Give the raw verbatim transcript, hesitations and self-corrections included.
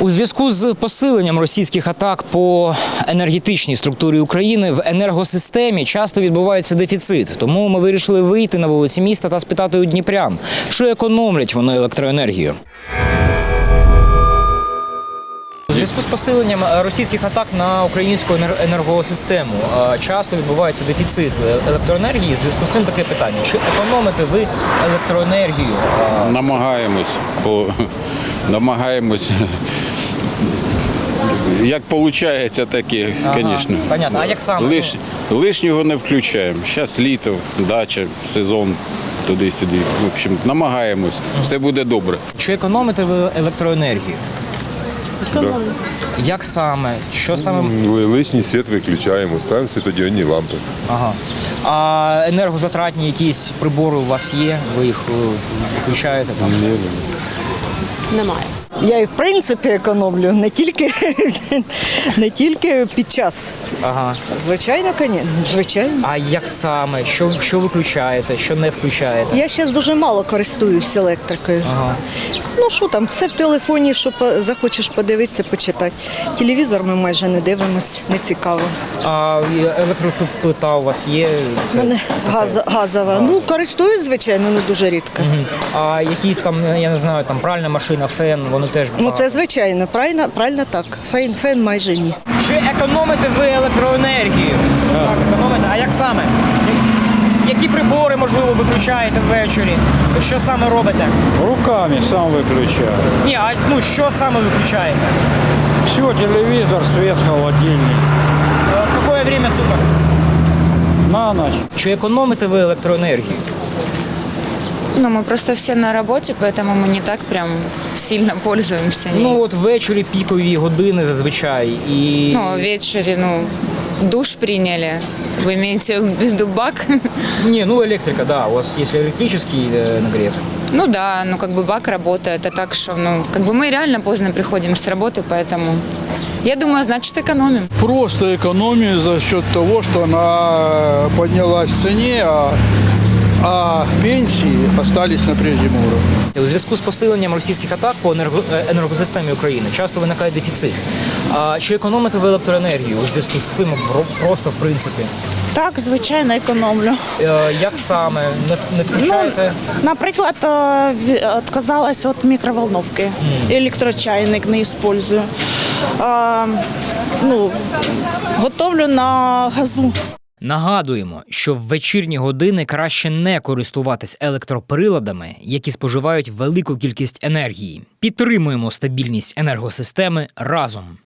У зв'язку з посиленням російських атак по енергетичній структурі України в енергосистемі часто відбувається дефіцит. Тому ми вирішили вийти на вулиці міста та спитати у дніпрян, чи економлять вони електроенергію. У зв'язку з посиленням російських атак на українську енергосистему часто відбувається дефіцит електроенергії. У зв'язку з цим таке питання: чи економите ви електроенергію? Намагаємось, по... намагаємось. Як виходить, так і, звісно. Ага, понятно. А як саме? Лиш... Лишнього не включаємо. Зараз літо, дача, сезон, туди-сюди. В общем, намагаємось. Все буде добре. Чи економите ви електроенергію? Да. Як саме? Що саме? Лишній світ виключаємо, ставимо світодіодні лампи. Ага. А енергозатратні якісь прибори у вас є? Ви їх включаєте там? Ні, ні. Немає. Я і в принципі економлю, не тільки, не тільки під час. Ага. Звичайно, звичайно. А як саме? Що, що виключаєте, що не включаєте? Я зараз дуже мало користуюсь електрикою. Ага. Ну що там, все в телефоні, що захочеш подивитися, почитати. Телевізор ми майже не дивимося, не цікаво. А електроплита у вас є? У мене газ, газова. Ну, користуюсь, звичайно, не дуже рідко. Угу. А якісь там, я не знаю, там пральна машина, фен, вони теж Ну це звичайно, правильно, правильно так. Фен, фен майже ні. Чи економите ви електроенергію? Так, економите. А як саме? Які прибори, можливо, виключаєте ввечері? Що саме робите? Руками сам выключаю. Ні, а ну що саме виключаєте? Все, телевизор, свет, холодильник. В яке время суток? На ночь. Чи економите ви електроенергію? Ну, мы просто все на работе, поэтому мы не так прям сильно пользуемся ней. Ну от ввечері пікові години зазвичай і... Ну, вечере, ну, душ приняли. Вы имеете в виду бак? Не, ну электрика, да, у вас если электрический э, нагрев. Ну да, ну как бы бак работает, а так что, ну, как бы мы реально поздно приходим с работы, поэтому я думаю, значит, экономим. Просто экономию за счет того, что она поднялась в цене, а, а пенсии остались на прежнем уровне. У зв'язку з посиленням російських атак по енерго... енергосистемі України часто виникає дефіцит. А чи економите ви електроенергію у зв'язку з цим просто в принципі? Так, звичайно, економлю. Е, як саме? Не, не включаєте? Ну, наприклад, відказалась від мікроволновки. Mm. Електрочайник не використовую. А, ну, готовлю на газу. Нагадуємо, що в вечірні години краще не користуватись електроприладами, які споживають велику кількість енергії. Підтримуємо стабільність енергосистеми разом.